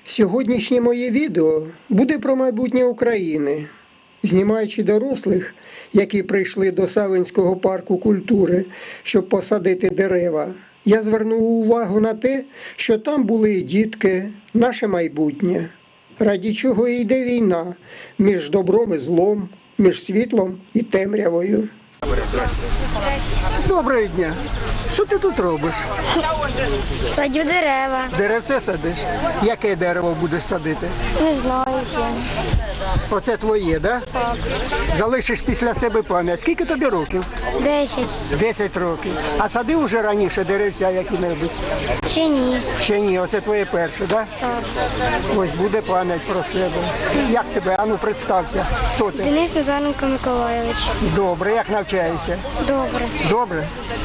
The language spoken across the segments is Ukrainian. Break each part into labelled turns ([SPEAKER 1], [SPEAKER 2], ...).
[SPEAKER 1] Сьогоднішнє моє відео буде про майбутнє України. Знімаючи дорослих, які прийшли до Савинського парку культури, щоб посадити дерева, я звернув увагу на те, що там були і дітки, наше майбутнє. Раді чого і йде війна між добром і злом, між світлом і темрявою. Доброго дня! Що ти тут робиш?
[SPEAKER 2] Садю дерева.
[SPEAKER 1] Деревце садиш? Яке дерево будеш садити?
[SPEAKER 2] Не знаю ще.
[SPEAKER 1] Оце твоє, да?
[SPEAKER 2] Так.
[SPEAKER 1] Залишиш після себе пам'ять. Скільки тобі років?
[SPEAKER 2] 10.
[SPEAKER 1] 10 років. А садив уже раніше деревця які-небудь?
[SPEAKER 2] Ще ні.
[SPEAKER 1] Ще ні, оце твоє перше, да?
[SPEAKER 2] Так.
[SPEAKER 1] Ось буде пам'ять про себе. Як тебе? Ану, представся. Хто ти?
[SPEAKER 2] Денис Назаренко Миколайович.
[SPEAKER 1] Добре, як навчаєшся?
[SPEAKER 2] Добре.
[SPEAKER 1] Добре?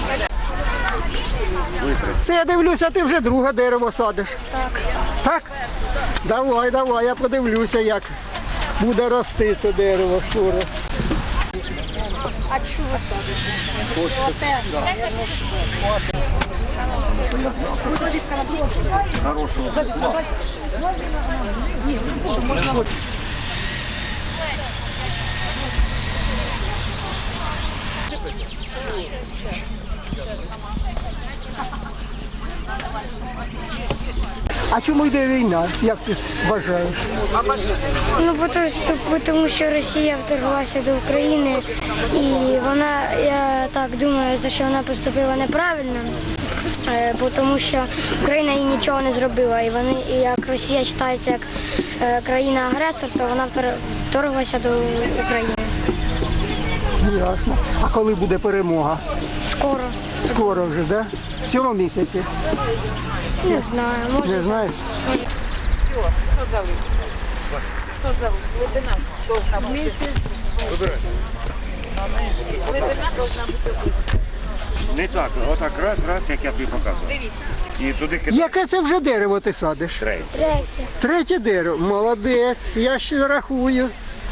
[SPEAKER 1] Це я дивлюся, ти вже друге дерево садиш.
[SPEAKER 2] Так.
[SPEAKER 1] Так? Давай, я подивлюся, як буде рости це дерево скоро.
[SPEAKER 3] А що ви садите?
[SPEAKER 1] А чому йде війна, як ти вважаєш?
[SPEAKER 2] Ну, тому що Росія вторглася до України, і вона, я так думаю, що вона поступила неправильно, тому що Україна їй нічого не зробила. І як Росія вважається як країна-агресор, то вона вторглася до України.
[SPEAKER 1] Ясно. А коли буде перемога?
[SPEAKER 2] Скоро.
[SPEAKER 1] Скоро вже, да? В цьому місяці?
[SPEAKER 2] Не знаю, може.
[SPEAKER 1] Не знаєш?
[SPEAKER 3] Все, сказали. Сказали, глибина должна бути. Глибина должна бути близько.
[SPEAKER 4] Не так, отак раз, як я тобі показував.
[SPEAKER 3] Дивіться.
[SPEAKER 4] І туди кидай.
[SPEAKER 1] Яке це вже дерево ти садиш?
[SPEAKER 2] Третє.
[SPEAKER 1] Третє дерево. Молодець, я ще рахую.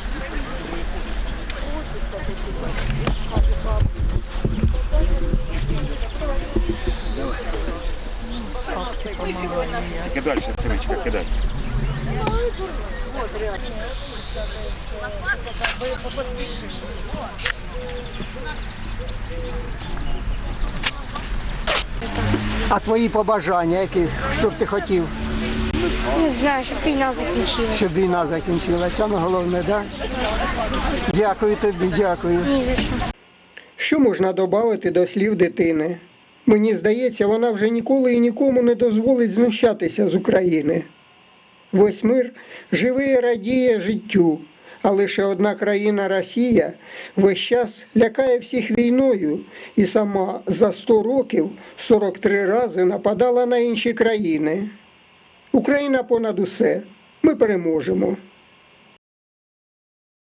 [SPEAKER 4] Тільки далі, Синичка, кидай.
[SPEAKER 1] А твої побажання, які, що б ти хотів,
[SPEAKER 2] Не знаю, щоб війна закінчилася.
[SPEAKER 1] щоб війна закінчилася? Саме головне, так? Дякую тобі, дякую.
[SPEAKER 2] Ні за що.
[SPEAKER 1] Що можна додати до слів дитини? Мені здається, вона вже ніколи і нікому не дозволить знущатися з України. Весь мир живе і радіє життю, а лише одна країна Росія весь час лякає всіх війною і сама за 100 років 43 рази нападала на інші країни. Україна понад усе. Ми переможемо.